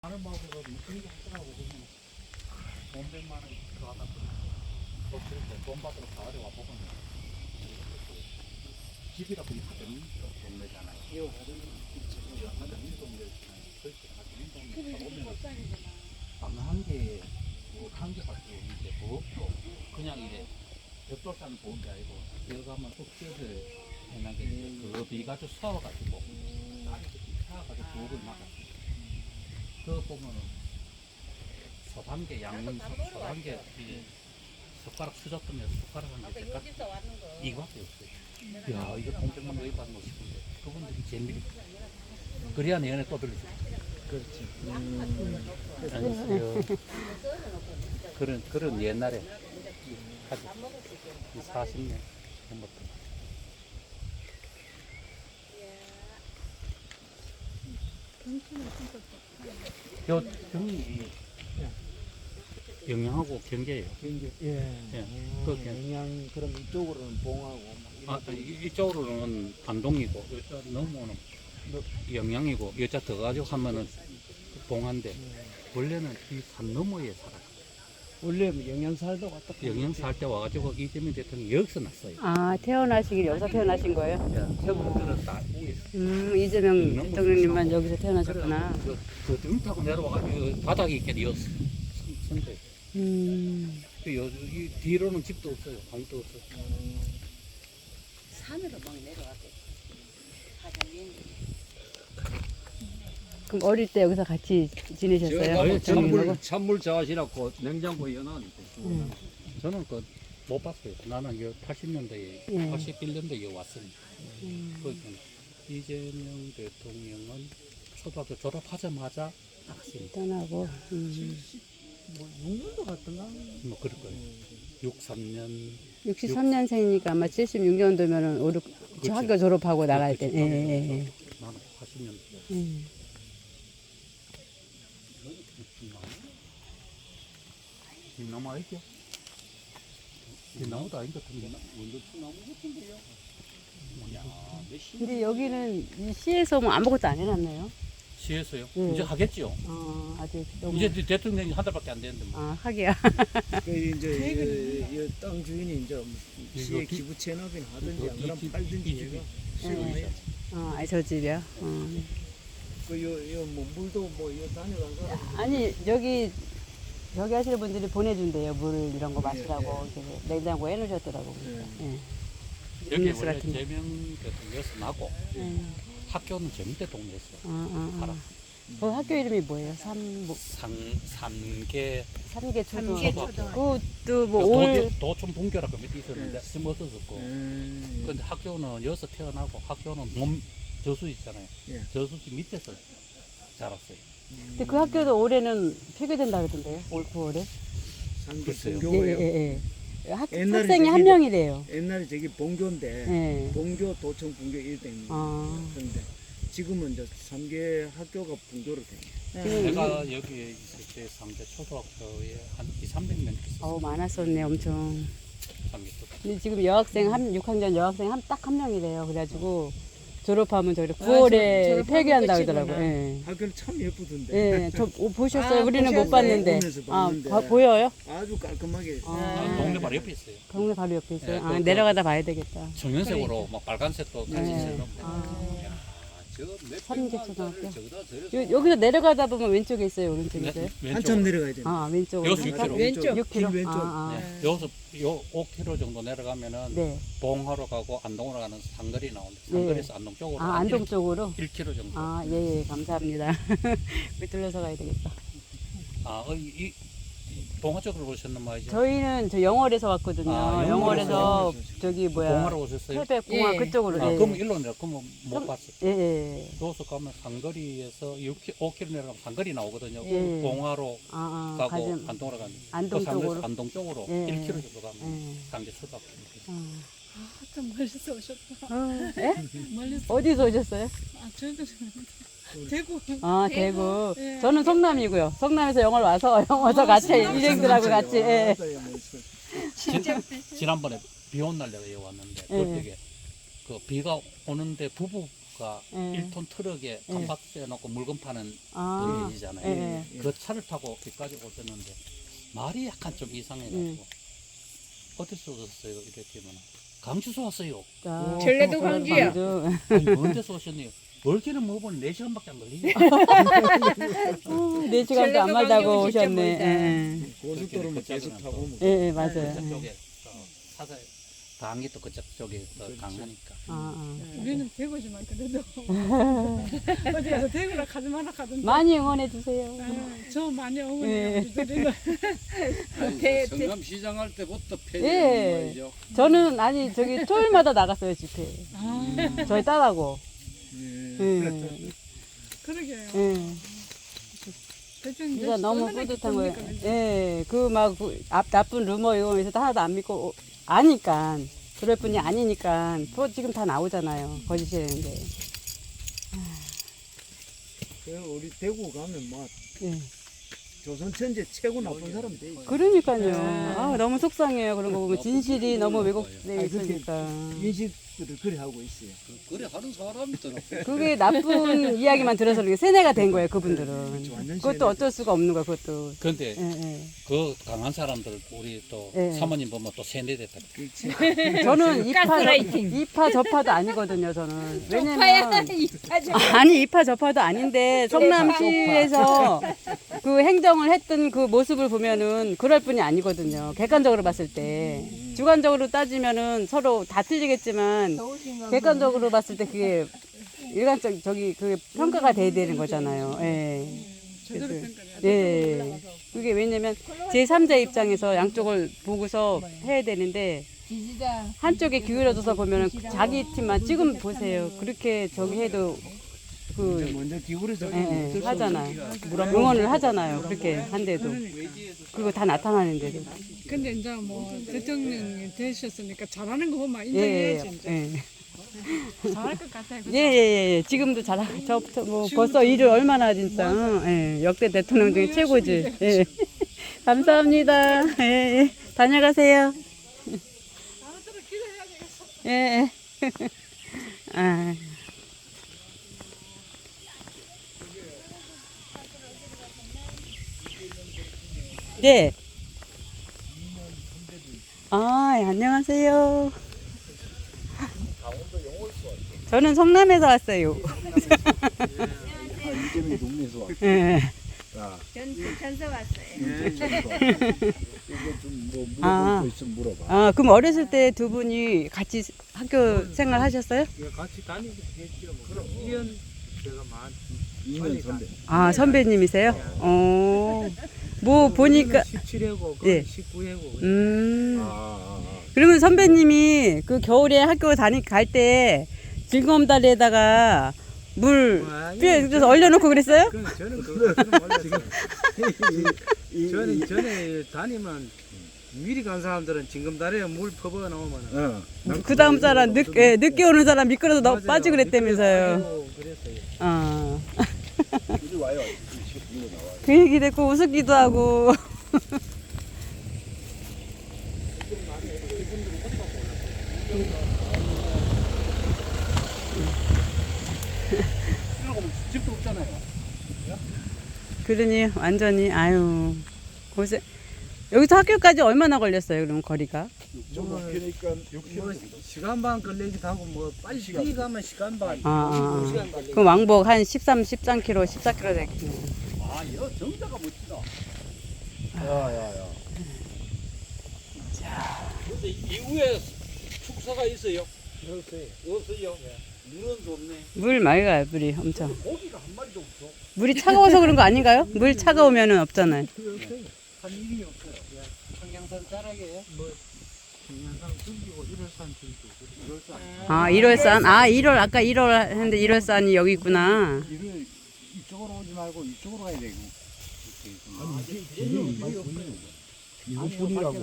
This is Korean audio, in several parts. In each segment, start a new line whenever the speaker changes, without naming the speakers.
하는 마을에서 무슨 게 하더라고 보면 500만 원 들어가다 그렇게 돈 받으러 가을에 와보면 집이라 보니까 되는 동네잖아요. 한 개, 한 개밖에 없는데 뭐 없고 그냥 이제 벽돌산을 보는 게 아니고 들어가면 흙질을 해놓은 게 그거 비가지고 서워가지고 딸이 사가지고 부엌을 막았어요. 그거 보면은 소단계 양념 소단계 숟가락 수저뜨면 숟가락 한 개 이거밖에 없어요. 야 이거 공정만 왜 받는 거 싶은데 그분들이 재미를 그래야 내년에 또 들리죠.
그렇지.
안녕하세요. 그런 옛날에 하지 40년 전부터. 요 병이 영양하고 경계예요.
경계. 예.
그
영양 그럼 이쪽으로는 봉하고 막
이쪽으로는 안동이고 여자 넘어오는 영양이고 여자 더 가지고 하면은 봉한데 원래는 이 산 너머에 살아요.
원래 영양 살다 왔다.
영양 살 때 와가지고 이재명 대통령이 여기서 났어요.
아, 태어나시길 여기서 태어나신 거예요?
세분들은 다 위에서.
이재명 대통령님만 여기서 태어나셨구나.
등 타고 내려와가지고 바닥이 있게 여서 선대. 이 뒤로는 집도 없어요. 방도 없어요.
산으로 막 내려왔대.
그럼 어릴 때 여기서 같이 지내셨어요?
찬물 좋아하시라고 냉장고에 연하니까.
저는 못 봤어요. 나는 80년대에, 81년도에 왔으니까. 이재명 대통령은 초등학교 졸업하자마자 나갔습니다.
떠나고.
뭐 6년도 갔던가?
뭐 그럴 거예요. 63년.
63년생이니까 아마 76년도면은 저 학교 졸업하고 나갈 때. 예.
나는 80년대. 이 나무 알죠? 이 나무도 아닌 것 같은데.
원도추나무 같은데요?
근데 여기는 이 시에서 뭐 아무것도 안 해놨네요.
시에서요?
네.
이제 하겠죠.
아직 너무.
이제 대통령이 한 달밖에 안 됐는데 뭐.
아, 하기야.
그 이제 이 땅 주인이 이제 시에
이거
기부 체납이나 하든지 안
이
그러면
집,
팔든지
이 집이
얘가
네. 아니, 저 집이요? 네.
그뭐 물도 뭐 다녀간 사람
아니, 여기 하시는 분들이 보내준대요. 물 이런 거 마시라고. 이렇게 냉장고에 해놓으셨더라고. 예.
여기
음료수
원래
같은 거.
재명 대통령에서 나고 학교는 정대 동네에서 살았어요.
그 학교 이름이 뭐예요?
삼계
삼계
초등학교.
그것도 뭐
도촌 분교라고 밑에 있었는데 심었었고. 근데 학교는 여기서 태어나고 학교는 몸 저수 있잖아요.
예.
저수지 밑에서 자랐어요.
근데 그 학교도 올해는 폐교된다 그러던데요? 올 9월에?
상계
글쎄요.
본교예요.
예.
옛날에
학생이 한
저기
명이 돼요.
옛날에 저기 본교인데
예.
본교 도청 분교 1등. 그런데 지금은 이제 3개 학교가 분교로 돼.
내가 여기 있을 때 상계 초등학교에 한 200~300명 있었어요.
많았었네, 엄청.
상계 초등학교.
근데 지금 여학생 6학년 여학생 딱 한 명이래요. 그래가지고 졸업하면 저기 9월에 폐교한다 그러더라고요. 예.
학교는 참 예쁘던데.
예, 저 보셨어요? 우리는 못
보셨어요?
봤는데.
보면서
아,
봤는데.
보여요?
아주 깔끔하게.
동네 바로 옆에 있어요.
동네 바로 옆에 있어요.
네,
내려가다 봐야 되겠다.
정연색으로 막 빨간색도 같이
네.
있어요.
삼계초등학교.
저기다 저래서
여기서 내려가다 보면 왼쪽에 있어요, 오른쪽에 있어요?
한참 내려가야 돼.
왼쪽으로.
여기서 6km.
왼쪽.
6km.
길 왼쪽.
네. 여기서 요 5km 정도 내려가면은
네.
봉하러 가고 안동으로 가는 상거리 나오는데 상거리에서 안동 쪽으로
안동 쪽으로?
1km 정도.
예, 감사합니다. 우리 들러서 가야 되겠다.
이 봉화 쪽으로 오셨는 말이죠?
저희는 저 영월에서 왔거든요. 영월에서 저기
봉화로 오셨어요?
태백공항
예.
그쪽으로.
그럼 일로 내려. 그러면 못
좀-
봤어.
예.
여기서 가면 상거리에서 5km 내려가면 상거리 나오거든요.
예.
봉화로 가고
가지.
안동으로 가면
안동 쪽으로.
안동 쪽으로
예.
1km 정도 가면
예.
상계 초등학교.
참 멀리서 오셨다.
예?
멀리서.
어디서 오셨어요?
저희도 대구.
대구.
예.
저는 성남이고요. 성남에서 영월 와서 같이 일행들하고 같이. 예.
지난번에 비 온 날 내가 여기 왔는데
예.
그때 그 비가 오는데 부부가 가
예.
1톤 트럭에 간파트 떼놓고 물건 파는
아,
분이잖아요.
예.
그 차를 타고 여기까지 오셨는데 말이 약간 좀 이상해가지고 어디서 오셨어요? 이랬더니 강주에서 왔어요.
자,
전라도 광주요.
광주.
아니 먼 데서 오셨네요. 멀기는 먹어보니 4시간밖에 안 걸리네.
4시간도 안 말다고
진짜
오셨네.
멀다.
예.
고속도로는 계속 타고 뭐.
예, 예, 맞아요.
그쪽에 사서 강이 또 그쪽 쪽에 더 강하니까.
아, 아.
우리는 대구지만 그래도 어디 가서 대구라 가지 마라 가던데.
많이 응원해 주세요.
저 많이
예.
어머니가 우리들은
아니, 성남시장 할 때부터
예.
폐지한 거죠.
저는 아니 저기 토요일마다 나갔어요 집회. 저희 딸하고. 예.
그러게요.
예.
대충
진짜 너무
뻔하게
뿌듯한 거예요.
보니까 그죠?
예, 그 막 나쁜 루머 이거 에서 하나도 안 믿고 아니까 그럴 뿐이 아니니까 지금 다 나오잖아요. 거짓이라는데.
우리 대구 가면 막
예.
조선 천재 최고 나쁜 사람 돼. 있어.
그러니까요. 아, 너무 속상해요. 그런 거 보면 진실이 너무 왜곡돼
아니, 그렇게
있으니까.
인식들을 그래 하고 있어요.
그래 하는 사람이 있더라.
그게 나쁜 이야기만 들어서 이렇게 세뇌가 된 거예요. 그분들은.
완전
그것도
세뇌.
어쩔 수가 없는 거야. 그것도.
그런데
예, 예.
그 강한 사람들 우리 또
예.
사모님 보면 또 세뇌됐다.
그렇지.
저는
가스라이팅.
이파 저파도 아니거든요. 저는.
쪽파야
왜냐면
이파죠.
아니 이파 저파도 아닌데 성남시에서 그 행정을 했던 그 모습을 보면은 그럴 뿐이 아니거든요. 객관적으로 봤을 때 주관적으로 따지면은 서로 다 틀리겠지만 객관적으로 봤을 때 그게 일관적 저기 그 평가가 돼야 되는 거잖아요. 예.
제대로
그래서-
평가해야
예. 그게 왜냐면 제3자 입장에서 양쪽을 보고서 해야 되는데 한쪽에 기울어져서 보면은 자기 팀만 지금 보세요. 그렇게 저기 해도 그
먼저 기울여서
예, 예, 하잖아요. 응원을 하잖아요. 그렇게 한데도 그거 다 나타나는데도.
근데 이제 뭐 대통령이 되셨으니까 잘하는 거 보면
예,
인정해야지
예,
이제.
예.
잘할 것 같아요. 그죠?
예, 예, 예. 지금도 저부터 뭐 벌써 일을 얼마나 진짜 예, 역대 대통령 중에 최고지. 예. 감사합니다. 예, 예. 다녀가세요. 예, 예. 아. 네. 아, 예, 안녕하세요. 저는 성남에서 왔어요.
이재명이 동네에서 와.
예.
전서 왔어요.
이거 좀뭐 물어볼
아.
거 있으면 물어봐.
아, 그럼 어렸을 때 두 분이 같이 학교 생활 하셨어요?
같이 다니기도 했죠. 뭐. 그럼 2년 제가 만 2년 선배.
아, 선배님이세요? 뭐 보니까
17회고
예.
19회고.
그러면 선배님이 그 겨울에 학교 갈 때 즐거움다리에다가 물 그래서 얼려놓고 그랬어요?
저는 그거 지금 전에 다니면 미리 간 사람들은 지금 다리에 물 퍼버 나오면
그 다음 사람 늦게 오는 사람 미끄러서 빠지고 그랬다면서요.
그랬어요.
아.
물이 와요.
그 얘기 듣고 우습기도 하고.
집도 없잖아요.
그러니 완전히 아유 고생. 여기서 학교까지 얼마나 걸렸어요? 그럼 거리가?
좀 높이니까 뭐 시간 반 걸리기도 하고 뭐 빨리 시간 가면 시간 반.
아,
시간 걸리기.
그럼 왕복 한 13km, 14km 되겠네.
아, 이거 정자가 멋지다.
야야야.
근데 이후에 축사가 있어요.
그렇지.
없어요. 물은 좋네.
물 맑아요, 물이 엄청.
고기가 한 마리도 없어.
물이 차가워서 그런 거 아닌가요? 물 차가우면은 없잖아요.
한 일이 없어요. 청양산 자락에 뭐 청양산 숨기고 1월산 숨기고 1월산.
아, 1월산? 아, 1월, 아까 1월 했는데 1월산이 여기 있구나.
이를 이쪽으로 오지 말고 이쪽으로 가야 되고.
이거 뿐이라고.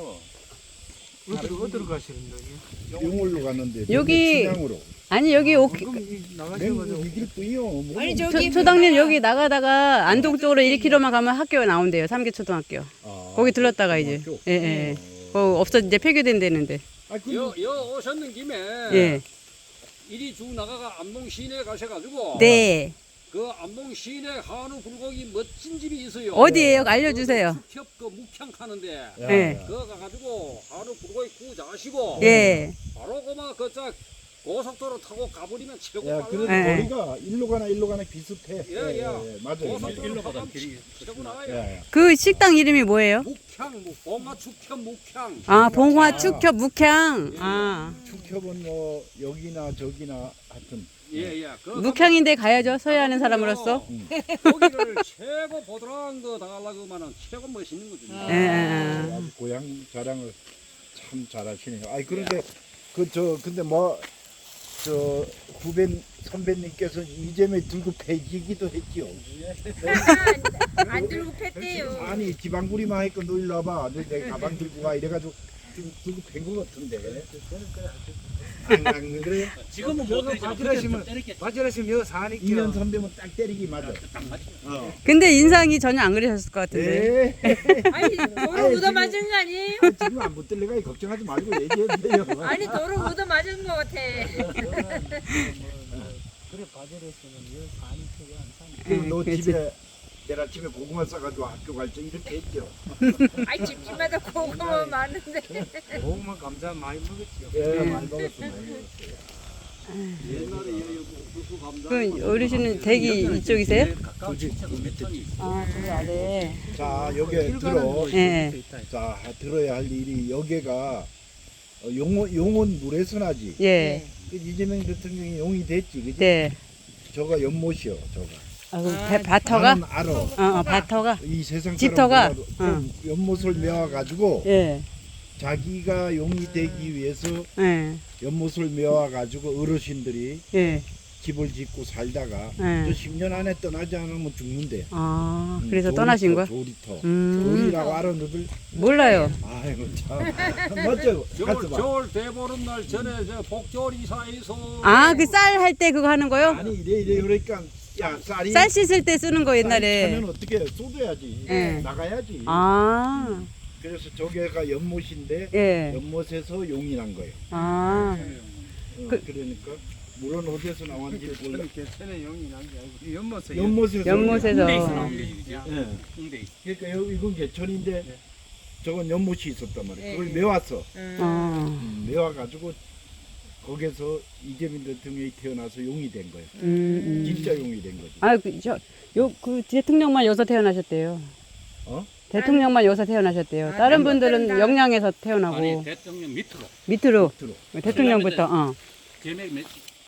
어디로 가시는 거예요?
영월로 갔는데
여기-
춘향으로.
아니, 여기
맹구 이길 뿐이요.
아니
초,
저기
초당님 여기 나가다가 안동 쪽으로 1km만 가면 학교가 나온대요. 삼계초등학교. 거기 들렀다가 이제. 예, 예. 없어, 이제 폐교된다는데.
아,
여 오셨는 김에
예.
이리 쭉 나가가 안동 시내에 가셔가지고
네.
그 안동 시내 한우 불고기 멋진 집이 있어요.
어디예요? 알려주세요.
축협 그 묵향 파는데
야,
네.
야.
그거 가가지고 한우 불고기 구우자시고
예.
바로 그만 그자 고속도로 타고 가버리면 최고
야, 그래도
빨라요.
네.
거리가 일로 가나 비슷해.
예, 예.
맞아요.
고속도로
가다
타고
길이
최고 나와요.
야, 야.
그 식당 이름이 뭐예요?
묵향, 봉화 축협 묵향.
아, 봉화 축협 묵향. 아,
축협은 뭐 여기나 저기나 하여튼
예, 예. 그
묵향인데 가야죠. 서해하는 사람으로서.
거기를 최고 보드라운 거 당하려고만은 최고 멋있는 거죠.
예, 예, 예.
아주 고향 자랑을 참 잘하시네요. 아니 그런데 근데 뭐 저 후배 선배님께서 이재명 들고 패기기도 했지요.
안 들고 팼대요.
아니 지방구리만 했고 너 일로 와봐. 내 가방 들고 가 이래가지고 들고 팬거 같은데. 안 그래요?
지금은
저거
못 때리지만
바지라시면
그때 좀 때렸겠지.
바지라시면 여기 사니까.
2년 선배면 딱 때리기 맞아.
딱 맞지.
근데 인상이 전혀 안 그러셨을 것 같은데.
네.
아니 도로 얻어 맞은 거 아니에요?
지금 안 붙들려가 걱정하지 말고 얘기해도 돼요.
아니 도로 얻어 맞은 거 같아.
그래 바지라시면 여기 사니까 여기 안 사니까.
그럼 너
그렇지.
집에 내일 아침에 고구마 싸가지고 학교 갈 때 이렇게 했죠.
아이 집집마다 고구마 많은데.
고구마 감자 많이 먹었죠.
예, 많이 먹었어. 많이 먹었어요.
옛날에 여기 옥수수 감자.
그 어르신은 댁이 이쪽이세요?
가까운 친척은 몇 톤이
아, 그 아래.
자, 여기 들어.
예.
자, 들어야 할 일이 여기가 용원 물에서나지.
예.
그 이재명 대통령이 용이 됐지, 그지?
네.
저가 연못이요, 저가.
아, 그 밭터가?
나는 알아.
밭터가?
이 세상
집터가?
사람들은 연못을 메워가지고
예.
자기가 용이 되기 위해서
예.
연못을 메워가지고 어르신들이
예.
집을 짓고 살다가 저
예.
10년 안에 떠나지 않으면 죽는데.
아, 그래서 떠나신 거야?
조리터.
음.
조리라고 알아, 너들?
몰라요.
아이고, 참. 맞죠? 가서 봐.
겨울 대보름 날 전에 저 복절 이사에서
아, 그 쌀 할 때 그거 하는 거요?
아니, 이래, 그러니까, 야, 쌀이.
쌀 씻을 때 쓰는 거 옛날에.
차면 어떻게 해? 쏟아야지.
예.
나가야지.
아,
그래서 저게가 연못인데,
예.
연못에서 용이 난 거예요.
아,
그러니까, 물은 어디서 나왔는지 몰라.
개천에 용이 난 게 아니고 연못에.
연못에서.
연못에서.
홍대에서 나온 게 일이지.
예.
홍대.
그러니까 이건 개천인데, 저건 연못이 있었단 말이에요. 그걸
예.
메왔어.
어.
메와가지고, 거기서 이재명 대통령이 태어나서 용이 된 거예요. 진짜 용이 된 거지.
아, 그 대통령만 여기서 태어나셨대요.
어?
대통령만 여기서 태어나셨대요.
아,
다른 분들은
다른
영양에서
아니
태어나고
대통령 밑으로
밑으로
들어.
대통령부터. 어.
제맥